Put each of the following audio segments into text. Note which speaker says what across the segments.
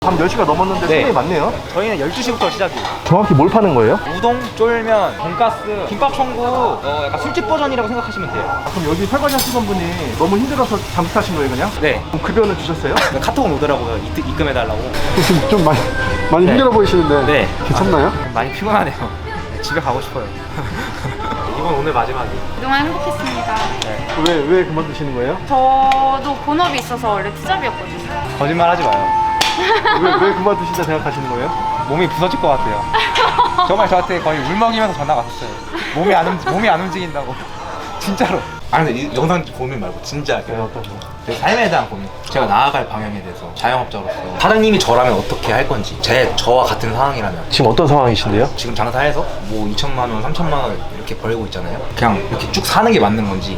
Speaker 1: 밤 10시가 넘었는데
Speaker 2: 네.
Speaker 1: 손님이 많네요.
Speaker 2: 저희는 12시부터 시작이에요.
Speaker 1: 정확히 뭘 파는 거예요?
Speaker 2: 우동, 쫄면, 돈가스, 김밥 천국, 약간 술집 버전이라고 생각하시면 돼요.
Speaker 1: 그럼 여기 설거지 하시던 분이 너무 힘들어서 잠수 타신 거예요 그냥?
Speaker 2: 네.
Speaker 1: 그럼 급여는 주셨어요?
Speaker 2: 카톡은 오더라고요. 입금해달라고.
Speaker 1: 지금 좀 많이
Speaker 2: 네.
Speaker 1: 힘들어 보이시는데
Speaker 2: 네.
Speaker 1: 괜찮나요?
Speaker 2: 많이 피곤하네요. 집에 가고 싶어요. 이번 오늘 마지막이에요.
Speaker 3: 그동안 행복했습니다.
Speaker 1: 왜 그만두시는 거예요?
Speaker 3: 저도 본업이 있어서 원래 투잡이었거든요.
Speaker 2: 거짓말 하지 마요.
Speaker 1: 왜 그만두신다 생각하시는 거예요?
Speaker 2: 몸이 부서질 것 같아요. 정말 저한테 거의 울먹이면서 전화가 왔었어요. 몸이 안 움직인다고. 진짜로.
Speaker 4: 아니 근데 이 영상 고민 말고 진짜
Speaker 1: 어떤 거?
Speaker 4: 제 삶에 대한 고민, 제가 나아갈 방향에 대해서 자영업자로서 사장님이 저라면 어떻게 할 건지, 저와 같은 상황이라면
Speaker 1: 지금 어떤 상황이신데요?
Speaker 4: 지금 장사해서 뭐 2천만 원, 3천만 원 이렇게 벌고 있잖아요. 그냥 이렇게 쭉 사는 게 맞는 건지.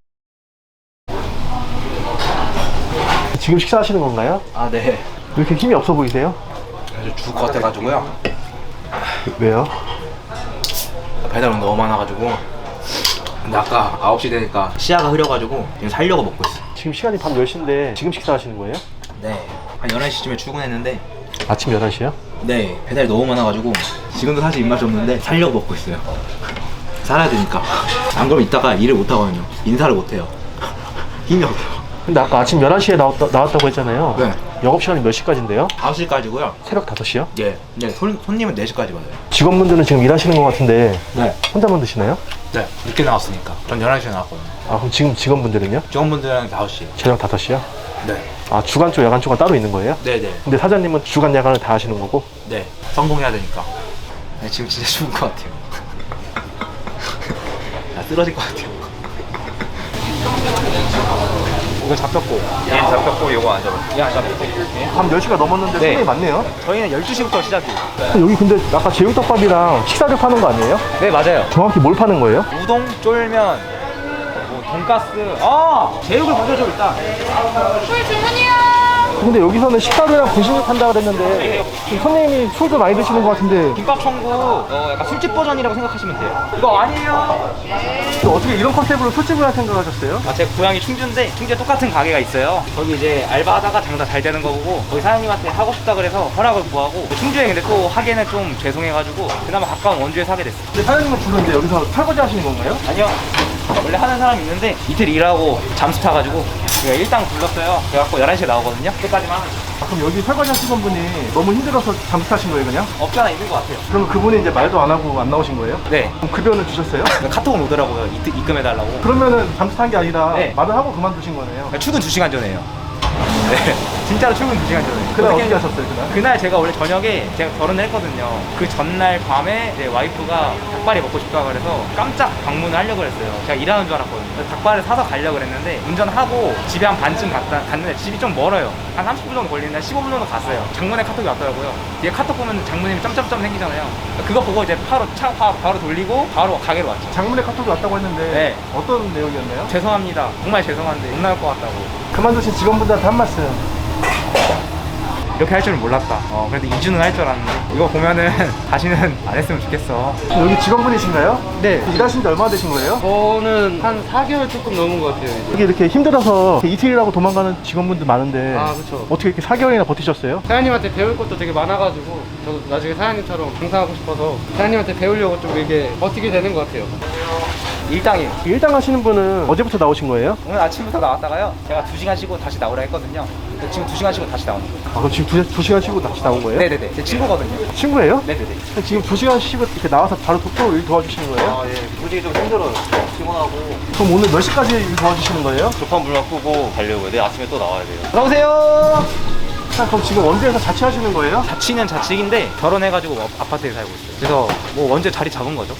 Speaker 1: 지금 식사하시는 건가요?
Speaker 4: 아 네.
Speaker 1: 왜 이렇게 힘이 없어 보이세요?
Speaker 4: 아주 죽을 것 같아가지고요.
Speaker 1: 왜요?
Speaker 4: 배달은 너무 많아가지고. 근데 아까 9시 되니까 시야가 흐려가지고 지금 살려고 먹고 있어요.
Speaker 1: 지금 시간이 밤 10시인데 지금 식사하시는 거예요?
Speaker 4: 네. 한 11시쯤에 출근했는데
Speaker 1: 아침 11시요?
Speaker 4: 네, 배달이 너무 많아가지고 지금도 사실 입맛이 없는데 살려고 먹고 있어요. 살아야 되니까. 안 그러면 이따가 일을 못 하거든요. 인사를 못 해요. 힘이 없어요.
Speaker 1: 근데 아까 아침 11시에 나왔다고 했잖아요.
Speaker 4: 네.
Speaker 1: 영업시간이 몇 시까지인데요?
Speaker 4: 9시까지고요.
Speaker 1: 새벽 5시요?
Speaker 4: 예. 네, 손님은 4시까지 받아요.
Speaker 1: 직원분들은 지금 일하시는 것 같은데
Speaker 4: 네.
Speaker 1: 혼자만 드시나요?
Speaker 4: 네. 늦게 나왔으니까. 전 11시에 나왔거든요.
Speaker 1: 아 그럼 지금 직원분들은요?
Speaker 4: 직원분들은 5시.
Speaker 1: 저녁 5시요?
Speaker 4: 네.
Speaker 1: 아 주간 쪽 야간 쪽은 따로 있는 거예요?
Speaker 4: 네네.
Speaker 1: 근데 사장님은 주간 야간을 다 하시는 거고?
Speaker 4: 네. 성공해야 되니까. 네, 지금 진짜 죽을 것 같아요. 나 쓰러질 것 같아요.
Speaker 2: 이거 잡혔고. 얘 잡혔고, 요거 안 잡혔고. 얘 안 잡혔고.
Speaker 1: 밤 10시가 넘었는데
Speaker 2: 네.
Speaker 1: 손님이 많네요.
Speaker 2: 저희는 12시부터 시작이에요.
Speaker 1: 여기 근데 아까 제육덮밥이랑 식사류 파는 거 아니에요?
Speaker 2: 네, 맞아요.
Speaker 1: 정확히 뭘 파는 거예요?
Speaker 2: 우동, 쫄면, 뭐 돈가스. 제육을 먼저 줘 일단.
Speaker 3: 술 주문이요.
Speaker 1: 근데 여기서는 식사류랑 분식을 판다 그랬는데 지금 손님이 술도 많이 드시는 것 같은데
Speaker 2: 김밥 천국, 약간 술집 버전이라고 생각하시면 돼요. 이거 아니에요.
Speaker 1: 또 어떻게 이런 컨셉으로 술집을 할 생각하셨어요?
Speaker 2: 제 고향이 충주인데 충주에 똑같은 가게가 있어요. 거기 이제 알바하다가 장사 잘 되는 거 보고 거기 사장님한테 하고 싶다 그래서 허락을 구하고 충주에 근데 또 하기에는 좀 죄송해가지고 그나마 가까운 원주에서 하게 됐어요.
Speaker 1: 근데 사장님은 주로 이제 여기서 설거지 하시는 건가요?
Speaker 2: 아니요. 원래 하는 사람이 있는데 이틀 일하고 잠수 타가지고 제가 일당 불렀어요. 그래갖고 11시에 나오거든요. 끝까지만 하면
Speaker 1: 아, 그럼 여기 설거지 하시던 분이 너무 힘들어서 잠수 타신 거예요 그냥?
Speaker 2: 없지 않아 있는 것 같아요.
Speaker 1: 그럼 그분이 이제 말도 안 하고 안 나오신 거예요?
Speaker 2: 네.
Speaker 1: 그럼 급여는 주셨어요?
Speaker 2: 카톡은 오더라고요. 입금해달라고.
Speaker 1: 그러면은 잠수 탄 게 아니라
Speaker 2: 네.
Speaker 1: 말을 하고 그만두신 거네요.
Speaker 2: 출근 2시간 전에요. 네. 진짜로 출근 2시간 전에.
Speaker 1: 그날 어떻게 하셨어요 그날?
Speaker 2: 그날 제가 원래 저녁에 제가 결혼을 했거든요. 그 전날 밤에 이제 와이프가 닭발이 먹고 싶다고 그래서 깜짝 방문을 하려고 그랬어요. 제가 일하는 줄 알았거든요. 그래서 닭발을 사서 가려고 그랬는데 운전하고 집에 한 반쯤 갔는데 집이 좀 멀어요. 한 30분 정도 걸리는데 15분 정도 갔어요. 장문의 카톡이 왔더라고요. 뒤에 카톡 보면 장모님이 점점점 생기잖아요. 그거 보고 이제 차 바로 돌리고 바로 가게로 왔죠.
Speaker 1: 장문의 카톡이 왔다고 했는데
Speaker 2: 네.
Speaker 1: 어떤 내용이었나요?
Speaker 2: 죄송합니다. 정말 죄송한데 못 나올 것 같다고.
Speaker 1: 그만두신 직원분들한테 한 말씀.
Speaker 2: 이렇게 할 줄은 몰랐다. 그래도 2주는 할 줄 알았는데 이거 보면은 다시는 안 했으면 좋겠어.
Speaker 1: 여기 직원분이신가요?
Speaker 5: 네.
Speaker 1: 일하신 지 얼마나 되신 거예요?
Speaker 5: 저는 한 4개월 조금 넘은 것 같아요. 이제.
Speaker 1: 여기 이렇게 힘들어서 이틀이라고 도망가는 직원분들 많은데
Speaker 5: 아, 그쵸.
Speaker 1: 어떻게 이렇게 4개월이나 버티셨어요?
Speaker 5: 사장님한테 배울 것도 되게 많아가지고 저도 나중에 사장님처럼 장사하고 싶어서 사장님한테 배우려고 좀 이게 버티게 되는 것 같아요.
Speaker 2: 일당이에요.
Speaker 1: 일당 하시는 분은 어제부터 나오신 거예요?
Speaker 2: 오늘 아침부터 나왔다가요. 제가 2시간 쉬고 다시 나오라 했거든요. 근데 지금 2시간 쉬고 다시 나오는 거예요.
Speaker 1: 아, 그럼 지금 두 시간 쉬고 다시 나온 거예요?
Speaker 2: 네네네. 제 친구거든요.
Speaker 1: 친구예요?
Speaker 2: 네네네.
Speaker 1: 지금 2시간 쉬고 이렇게 나와서 바로 또 일 도와주시는 거예요?
Speaker 2: 예. 솔직히 좀 힘들어요. 피곤하고.
Speaker 1: 그럼 오늘 몇 시까지 일 도와주시는 거예요?
Speaker 6: 급한 물만 끄고 가려고요. 내일 아침에 또 나와야 돼요.
Speaker 2: 들어오세요.
Speaker 1: 자, 그럼 지금 원주에서 자취하시는 거예요?
Speaker 2: 자취는 자취인데 결혼해가지고 아파트에 살고 있어요. 그래서 뭐 원제 자리 잡은 거죠.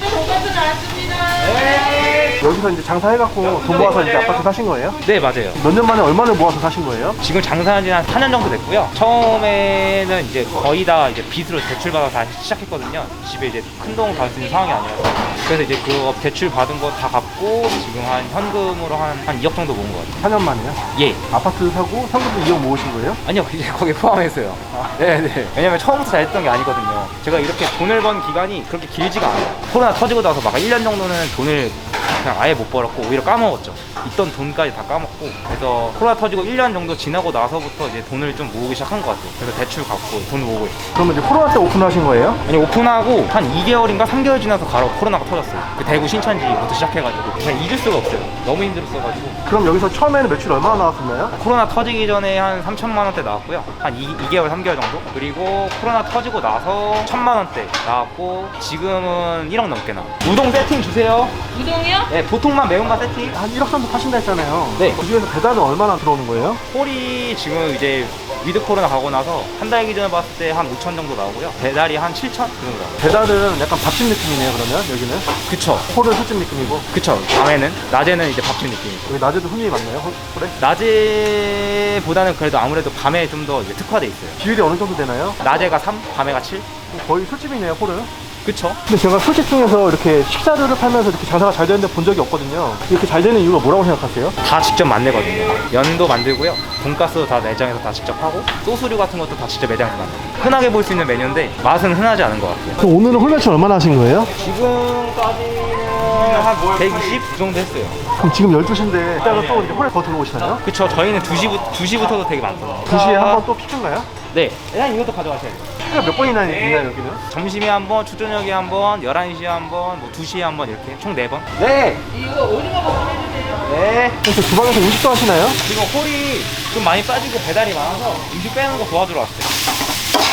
Speaker 1: 여기서 이제 장사해갖고 돈 모아서 이제 아파트 사신 거예요?
Speaker 2: 네 맞아요.
Speaker 1: 몇 년 만에 얼마를 모아서 사신 거예요?
Speaker 2: 지금 장사한 지 한 4년 정도 됐고요. 처음에는 이제 거의 다 이제 빚으로 대출받아서 다시 시작했거든요. 집에 이제 큰 돈 갈 수 있는 상황이 아니라서. 그래서 이제 그거 대출 받은 거 다 갚고 지금 한 현금으로 한 2억 정도 모은 것 같아요.
Speaker 1: 4년 만에요?
Speaker 2: 예.
Speaker 1: 아파트 사고 현금도 2억 모으신 거예요?
Speaker 2: 아니요, 이제 거기에 포함해서요. 네네. 왜냐면 처음부터 잘했던 게 아니거든요. 제가 이렇게 돈을 번 기간이 그렇게 길지가 않아요. 코로나 터지고 나서 막 1년 정도는 돈을 그냥 아예 못 벌었고 오히려 까먹었죠. 있던 돈까지 다 까먹고. 그래서 코로나 터지고 1년 정도 지나고 나서부터 이제 돈을 좀 모으기 시작한 것 같아요. 그래서 대출 갚고 돈 모으고 있어요.
Speaker 1: 그러면 이제 코로나 때 오픈하신 거예요?
Speaker 2: 아니 오픈하고 한 2개월인가 3개월 지나서 바로 코로나가 터졌어요. 그 대구 신천지부터 시작해가지고 그냥 잊을 수가 없어요. 너무 힘들었어가지고.
Speaker 1: 그럼 여기서 처음에는 매출 얼마나 나왔었나요?
Speaker 2: 코로나 터지기 전에 한 3천만 원대 나왔고요. 한 2개월, 3개월 정도. 그리고 코로나 터지고 나서 1,000만 원대 나왔고 지금은 1억 넘게 나와요. 우동 세팅 주세요.
Speaker 3: 우동이요?
Speaker 2: 네, 보통만 매운맛 세팅.
Speaker 1: 한 1억 정도 파신다 했잖아요.
Speaker 2: 네.
Speaker 1: 그 중에서 배달은 얼마나 들어오는 거예요?
Speaker 2: 홀이 지금 이제 위드 코로나 가고 나서 한 달 기준으로 봤을 때 한 5천 정도 나오고요. 배달이 한 7천? 그 정도 나와요.
Speaker 1: 배달은 약간 밥집 느낌이네요, 그러면 여기는?
Speaker 2: 그쵸.
Speaker 1: 홀은 술집 느낌이고.
Speaker 2: 그쵸. 밤에는, 낮에는 이제 밥집 느낌이고.
Speaker 1: 여기 낮에도 손님이 많나요, 홀에?
Speaker 2: 낮에보다는 그래도 아무래도 밤에 좀 더 특화돼 있어요.
Speaker 1: 비율이 어느 정도 되나요?
Speaker 2: 낮에가 3, 밤에가 7?
Speaker 1: 거의 술집이네요, 홀은.
Speaker 2: 그쵸.
Speaker 1: 근데 제가 술집 중에서 이렇게 식사류를 팔면서 이렇게 장사가 잘 되는데 본 적이 없거든요. 이렇게 잘 되는 이유가 뭐라고 생각하세요?
Speaker 2: 다 직접 만들거든요. 면도 만들고요. 돈가스도 다 매장에서 다 직접 하고 소스류 같은 것도 다 직접 매장에서 만들어요. 흔하게 볼 수 있는 메뉴인데 맛은 흔하지 않은 것 같아요.
Speaker 1: 그럼 오늘은 홀 매출 얼마나 하신 거예요?
Speaker 2: 지금까지는 한 120 그 정도 했어요.
Speaker 1: 그럼 지금 12시인데 이따가 또 이제 홀에 더 들어오시나요?
Speaker 2: 그쵸. 저희는 2시부터도 되게 많거든요.
Speaker 1: 2시에 한 번 또 피크인가요?
Speaker 2: 네. 일단 이것도 가져가셔야 돼요.
Speaker 1: 피크가 몇 번이나 있나요, 여기는?
Speaker 2: 점심에 한 번, 초저녁에 한 번, 11시에 한 번, 뭐 2시에 한 번 이렇게 총 4번. 네. 이거 오징어 볶음 해주세요. 네.
Speaker 1: 그래서 주방에서 음식도 하시나요?
Speaker 2: 지금 홀이 좀 많이 빠지고 배달이 많아서 음식 빼는 거 도와주러 왔어요.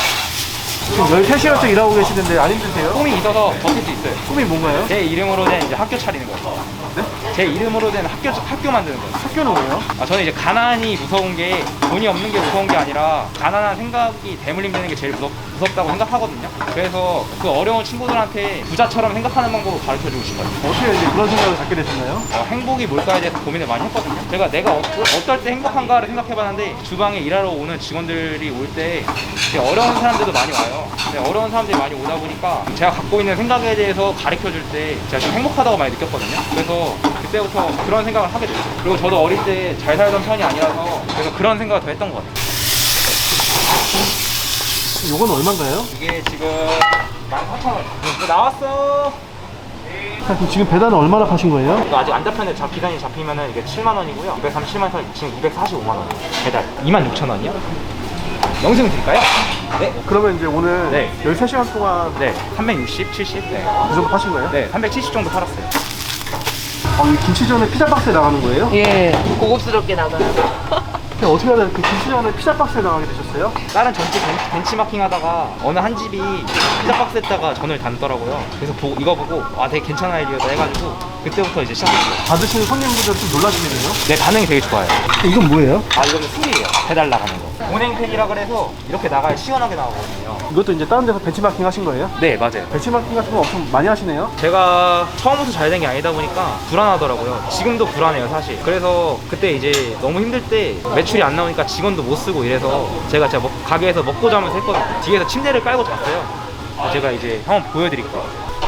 Speaker 1: 지금 13시간째 일하고 계시는데 안 힘드세요?
Speaker 2: 꿈이 있어서 버틸 수 있어요.
Speaker 1: 꿈이 뭔가요?
Speaker 2: 제 이름으로 된 이제 학교 차리는 거예요.
Speaker 1: 네?
Speaker 2: 제 이름으로 된 학교 만드는 거예요.
Speaker 1: 학교는 뭐예요?
Speaker 2: 저는 이제 가난이 무서운 게 돈이 없는 게 무서운 게 아니라 가난한 생각이 대물림되는 게 제일 무섭다고 생각하거든요. 그래서 그 어려운 친구들한테 부자처럼 생각하는 방법을 가르쳐주고 싶어요.
Speaker 1: 어떻게 이제 그런 생각을 갖게 되셨나요?
Speaker 2: 행복이 뭘까에 대해서 고민을 많이 했거든요. 제가 내가 어떨 때 행복한가를 생각해봤는데 주방에 일하러 오는 직원들이 올 때 어려운 사람들도 많이 와요. 근데 어려운 사람들이 많이 오다 보니까 제가 갖고 있는 생각에 대해서 가르쳐줄 때 제가 좀 행복하다고 많이 느꼈거든요. 그래서 그때부터 그런 생각을 하게 됐어요. 그리고 저도 어릴 때 잘 살던 편이 아니라서 그래서 그런 생각을 더 했던 것 같아요.
Speaker 1: 이건 얼마인가요?
Speaker 2: 이게 지금 14,000원. 나왔어.
Speaker 1: 그럼 지금 배달은 얼마나 파신 거예요?
Speaker 2: 이거 아직 안 잡혔는데 기간이 잡히면은 이게 7만 원이고요. 237만 원, 지금 245만 원. 배달 26,000원이요? 영수증 드릴까요? 네.
Speaker 1: 그러면 이제 오늘
Speaker 2: 네.
Speaker 1: 13시간 동안
Speaker 2: 네. 360, 70. 네.
Speaker 1: 그 정도 파신 거예요?
Speaker 2: 네. 370 정도 팔았어요.
Speaker 1: 이 김치전에 피자 박스에 나가는 거예요?
Speaker 7: 예, 고급스럽게 나가요.
Speaker 1: 근데 어떻게 하다 그 김치전에 피자 박스에 나가게 되셨어요?
Speaker 2: 다른 전집 벤치마킹 하다가 어느 한 집이 피자 박스에다가 전을 담더라고요. 그래서 이거 보고 되게 괜찮은 아이디어다 해가지고 그때부터 이제 시작했어요.
Speaker 1: 받으시는 손님분들 좀 놀라시겠네요?
Speaker 2: 네, 반응이 되게 좋아요.
Speaker 1: 이건 뭐예요?
Speaker 2: 이거는 술이에요. 배달 나가는 거. 온행팬이라 그래서 이렇게 나가야 시원하게 나오거든요.
Speaker 1: 이것도 이제 다른 데서 벤치마킹 하신 거예요?
Speaker 2: 네, 맞아요.
Speaker 1: 벤치마킹 같은 거 엄청 많이 하시네요?
Speaker 2: 제가 처음부터 잘 된 게 아니다 보니까 불안하더라고요. 지금도 불안해요, 사실. 그래서 그때 이제 너무 힘들 때 매출이 안 나오니까 직원도 못 쓰고 이래서 제가 가게에서 먹고 자면서 했거든요. 뒤에서 침대를 깔고 잤어요. 제가 이제 한번 보여드릴게요.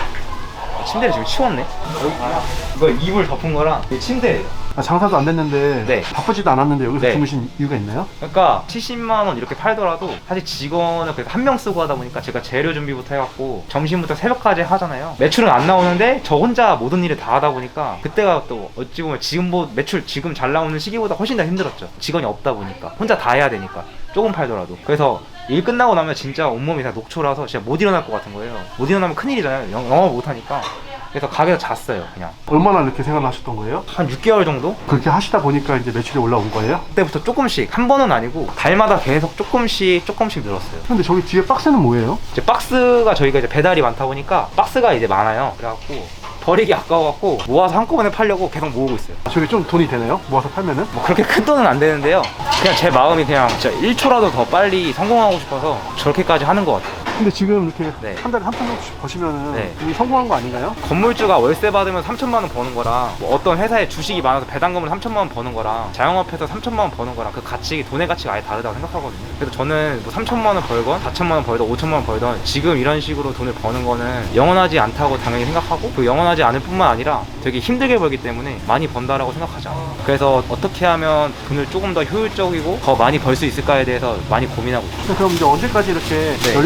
Speaker 2: 침대를 지금 치웠네? 이거 이불 덮은 거랑 이 침대예요.
Speaker 1: 장사도 안 됐는데
Speaker 2: 네.
Speaker 1: 바쁘지도 않았는데 여기서
Speaker 2: 네.
Speaker 1: 주무신 이유가 있나요?
Speaker 2: 그러니까 70만 원 이렇게 팔더라도 사실 직원을 한 명 쓰고 하다 보니까 제가 재료 준비부터 해갖고 점심부터 새벽까지 하잖아요. 매출은 안 나오는데 저 혼자 모든 일을 다 하다 보니까 그때가 또 어찌 보면 매출 지금 잘 나오는 시기보다 훨씬 더 힘들었죠. 직원이 없다 보니까 혼자 다 해야 되니까 조금 팔더라도. 그래서 일 끝나고 나면 진짜 온몸이 다 녹초라서 진짜 못 일어날 것 같은 거예요. 못 일어나면 큰일이잖아요. 영어 못 하니까. 그래서 가게에서 잤어요, 그냥.
Speaker 1: 얼마나 이렇게 생활을 하셨던 거예요?
Speaker 2: 한 6개월 정도?
Speaker 1: 그렇게 하시다 보니까 이제 매출이 올라온 거예요?
Speaker 2: 그때부터 조금씩, 한 번은 아니고 달마다 계속 조금씩 늘었어요.
Speaker 1: 근데 저기 뒤에 박스는 뭐예요?
Speaker 2: 이제 박스가 저희가 이제 배달이 많다 보니까 박스가 이제 많아요. 그래갖고 버리기 아까워갖고 모아서 한꺼번에 팔려고 계속 모으고 있어요.
Speaker 1: 저기 좀 돈이 되나요? 모아서 팔면은?
Speaker 2: 뭐 그렇게 큰 돈은 안 되는데요. 그냥 제 마음이 그냥 진짜 1초라도 더 빨리 성공하고 싶어서 저렇게까지 하는 것 같아요.
Speaker 1: 근데 지금 이렇게
Speaker 2: 네.
Speaker 1: 한 달에 3천 원씩 버시면은
Speaker 2: 네.
Speaker 1: 이미 성공한 거 아닌가요?
Speaker 2: 건물주가 월세 받으면 3천만 원 버는 거랑 뭐 어떤 회사에 주식이 많아서 배당금을 3천만 원 버는 거랑 자영업해서 3천만 원 버는 거랑 그 돈의 가치가 아예 다르다고 생각하거든요. 그래서 저는 뭐 3천만 원 벌건 4천만 원 벌던 5천만 원 벌던 지금 이런 식으로 돈을 버는 거는 영원하지 않다고 당연히 생각하고 그 영원하지 않을 뿐만 아니라 되게 힘들게 벌기 때문에 많이 번다라고 생각하지 않아요. 그래서 어떻게 하면 돈을 조금 더 효율적이고 더 많이 벌 수 있을까에 대해서 많이 고민하고 있어요.
Speaker 1: 그럼 이제 언제까지 이렇게
Speaker 2: 네.
Speaker 1: 17시간씩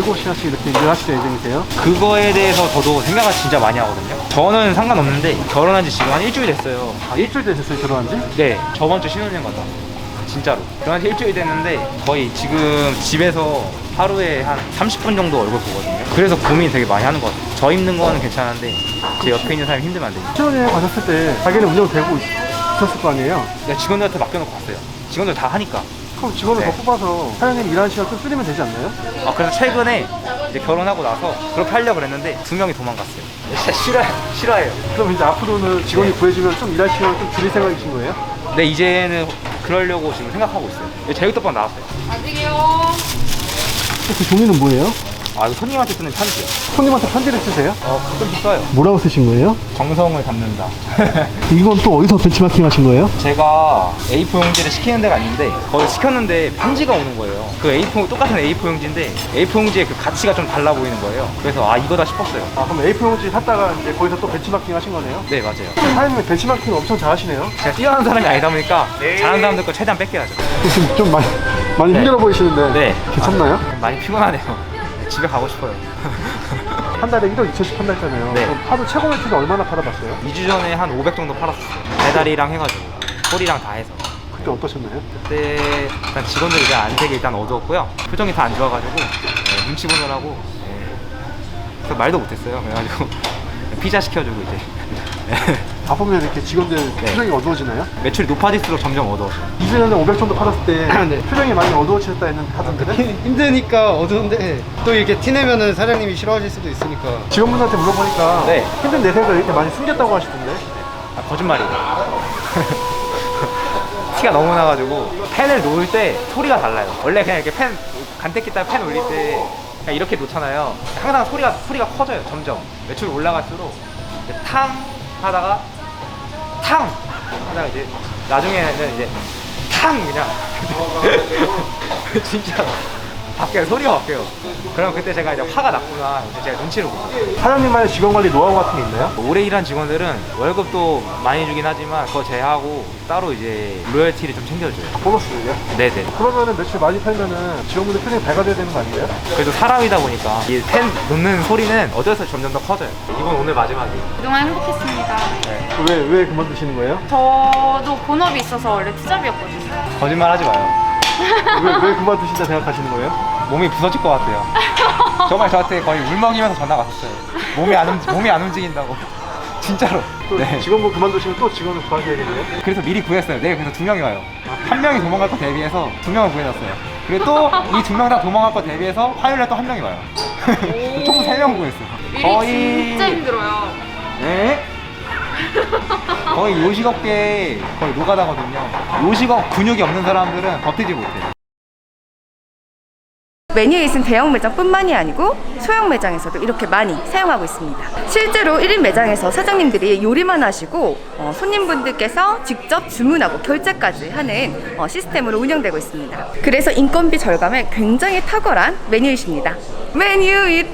Speaker 1: 같이 이렇게 일을 하실 예정이세요?
Speaker 2: 그거에 대해서 저도 생각을 진짜 많이 하거든요. 저는 상관없는데 결혼한 지 지금 한 일주일 됐어요.
Speaker 1: 아, 일주일 되셨어요, 결혼한 지?
Speaker 2: 네, 저번 주 신혼여행 갔다 왔어요. 진짜로. 결혼한 지 일주일 됐는데 거의 지금 집에서 하루에 한 30분 정도 얼굴 보거든요. 그래서 고민 되게 많이 하는 것 같아요. 저 힘든 거는 괜찮은데 제 옆에 있는 사람이 힘들면 안 되니까.
Speaker 1: 신혼여행 가셨을 때 가게는 운영되고 있었을 거 아니에요?
Speaker 2: 그냥 직원들한테 맡겨놓고 갔어요. 직원들 다 하니까.
Speaker 1: 그럼 직원을
Speaker 2: 네.
Speaker 1: 더 뽑아서 사장님 일하는 시간 좀 줄이면 되지 않나요?
Speaker 2: 그래서 최근에 이제 결혼하고 나서 그렇게 하려고 그랬는데 2명이 도망갔어요. 진짜 싫어해요.
Speaker 1: 그럼 이제 앞으로는 직원이 구해주면 좀 일할 시간을 좀 줄일 생각이신 거예요?
Speaker 2: 근데 이제는 그러려고 지금 생각하고 있어요. 제육덮밥 나왔어요.
Speaker 3: 아직이요.
Speaker 1: 그 종이는 뭐예요?
Speaker 2: 이거 손님한테 쓰는 편지요.
Speaker 1: 손님한테 편지를 쓰세요?
Speaker 2: 가끔씩 써요.
Speaker 1: 뭐라고 쓰신 거예요?
Speaker 2: 정성을 담는다.
Speaker 1: 이건 또 어디서 벤치마킹 하신 거예요?
Speaker 2: 제가 A4 용지를 시키는 데가 아닌데 거기 시켰는데 편지가 오는 거예요. 그 A4 똑같은 A4 용지인데 A4 용지의 그 가치가 좀 달라 보이는 거예요. 그래서 이거다 싶었어요.
Speaker 1: 그럼 A4 용지 샀다가 이제 거기서 또 벤치마킹 하신 거네요?
Speaker 2: 네, 맞아요.
Speaker 1: 사장님이 벤치마킹을 엄청 잘하시네요?
Speaker 2: 제가 뛰어난 사람이 아니다 보니까 잘하는 사람들 거 최대한 뺏겨야죠.
Speaker 1: 지금 좀 많이
Speaker 2: 네.
Speaker 1: 힘들어 보이시는데
Speaker 2: 네.
Speaker 1: 괜찮나요?
Speaker 2: 많이 피곤하네요. 집에 가고 싶어요.
Speaker 1: 한 달에 1억 2천씩 판다잖아요.
Speaker 2: 네.
Speaker 1: 그럼 하루 최고 매출은 얼마나 팔아봤어요?
Speaker 2: 2주 전에 한 500 정도 팔았어요. 배달이랑 해가지고 소리랑 다 해서.
Speaker 1: 그때 어떠셨나요?
Speaker 2: 그때 일단 직원들이 이제 안색이 일단 어두웠고요. 표정이 다 안 좋아가지고 눈치 보느라고 그래서 말도 못했어요. 그래가지고 피자 시켜주고 이제
Speaker 1: 바쁘면 이렇게 직원들 표정이 어두워지나요?
Speaker 2: 매출이 높아질수록 점점 어두워져요.
Speaker 1: 2주 전에 500 정도 팔았을 때
Speaker 5: 네.
Speaker 1: 표정이 많이 어두워지셨다 했는데 하던데
Speaker 5: 힘드니까 어두운데 또 이렇게 티내면은 사장님이 싫어하실 수도 있으니까.
Speaker 1: 직원분한테 물어보니까
Speaker 2: 네.
Speaker 1: 힘든 내색을 이렇게 많이 숨겼다고 하시던데
Speaker 2: 거짓말이에요. 티가 너무 나가지고 펜을 놓을 때 소리가 달라요. 원래 그냥 이렇게 펜 간택기 따라 펜 올릴 때 그냥 이렇게 놓잖아요. 항상 소리가 커져요. 점점 매출이 올라갈수록 이제 탕 하다가 탕 하다가 이제 나중에는 이제 탕 그냥 진짜 바뀌어요. 소리가 바뀌어요. 그럼 그때 제가 이제 화가 났구나. 이제 제가 눈치를 보죠.
Speaker 1: 사장님만의 직원 관리 노하우 같은 게 있나요?
Speaker 2: 오래 일한 직원들은 월급도 많이 주긴 하지만 그거 제외하고 따로 이제 로열티를 좀 챙겨줘요.
Speaker 1: 보너스요?
Speaker 2: 네네.
Speaker 1: 그러면은 매출 많이 팔면은 직원분들 표정이 밝아져야 되는 거 아니에요?
Speaker 2: 그래도 사람이다 보니까 이 펜 놓는 소리는 어디서 점점 더 커져요. 이번 오늘 마지막이에요.
Speaker 3: 그동안 행복했습니다.
Speaker 1: 왜 그만두시는 거예요?
Speaker 3: 저도 본업이 있어서 원래 투잡이었거든요.
Speaker 2: 거짓말 하지 마요.
Speaker 1: 왜 그만두신다 생각하시는 거예요?
Speaker 2: 몸이 부서질 것 같아요. 정말 저한테 거의 울먹이면서 전화가 왔었어요. 몸이 안 움직인다고. 진짜로.
Speaker 1: 또
Speaker 2: 네.
Speaker 1: 직원분 그만두시면 또 직원을 구하셔야겠네요?
Speaker 2: 그래서 미리 구했어요. 내일 그래서 2명이 와요. 한 명이 도망갈 거 대비해서 2명을 구해놨어요. 그리고 또 이 2명 다 도망갈 거 대비해서 화요일에 또 한 명이 와요. 총 3명 구했어요.
Speaker 3: 일이 진짜 힘들어요.
Speaker 2: 네? 거의 요식업계 거의 노가다거든요. 요식업 근육이 없는 사람들은 버티지 못해요.
Speaker 8: 메뉴에 있는 대형 매장뿐만이 아니고 소형 매장에서도 이렇게 많이 사용하고 있습니다. 실제로 1인 매장에서 사장님들이 요리만 하시고 손님분들께서 직접 주문하고 결제까지 하는 시스템으로 운영되고 있습니다. 그래서 인건비 절감에 굉장히 탁월한 메뉴이십니다. 메뉴